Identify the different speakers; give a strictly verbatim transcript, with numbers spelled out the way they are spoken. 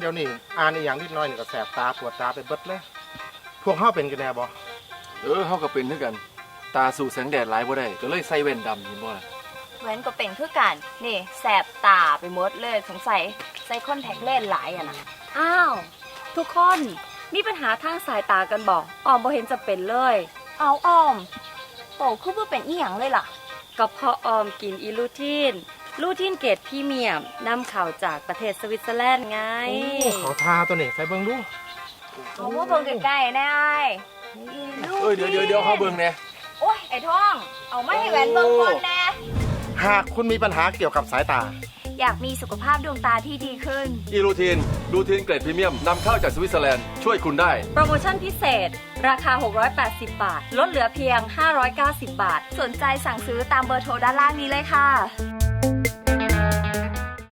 Speaker 1: ดี๋ยวนี้อ่านอีหยังนิดหน่อยนี่ก็แสบตาปวดตาไปเบิดเลยพวกเฮาเป็นกันแน่บ่
Speaker 2: เออเฮาก็เป็นคือกันตาสู่แสงแดดหลายบ่ได้ก็เลยใส่แว่นดำเห็นบ่ล่ะ
Speaker 3: แว้นก็เป็นคือกันนี่แสบตาไปหมดเลยสงสัยใส่คอนแทคเลนส์หลายอะนะ
Speaker 4: อ้าวทุกคนมีปัญหาทางสายตากันบอกออมบ่เห็นจะเป็นเลย
Speaker 3: เอาออมโตคือบ่เป็นอีหยังเลยล่ะ
Speaker 4: ก็เพราะออมกินอีลูทีนลูทีนเกรดพรีเมียมนำเข้าจากประเทศสวิตเซอร์แลนด์ไง
Speaker 1: ขอทาตัวนี้ใส่เบิ่งดู
Speaker 3: เอาว่าเบิ่งใกล้ๆแน่ไอ้
Speaker 2: เอ้ยเดี๋ยวเดี๋ยวเดี๋ยวเฮาเบิ่งแน่
Speaker 3: โอ้ยไอ้ท้องเอามาให้แหวนเบิ่งก่อนแน่
Speaker 1: หากคุณมีปัญหาเกี่ยวกับสายตา
Speaker 3: อยากมีสุขภาพดวงตาที่ดีขึ้น
Speaker 2: อีลูทีนลูทีนเกรดพรีเมียมนำเข้าจากสวิตเซอร์แลนด์ช่วยคุณได้
Speaker 4: โปรโมชั่นพิเศษราคาหกร้อยแปดสิบบาทลดเหลือเพียงห้าร้อยเก้าสิบบาท
Speaker 3: สนใจสั่งซื้อตามเบอร์โทรด้านล่างนี้เลยค่ะ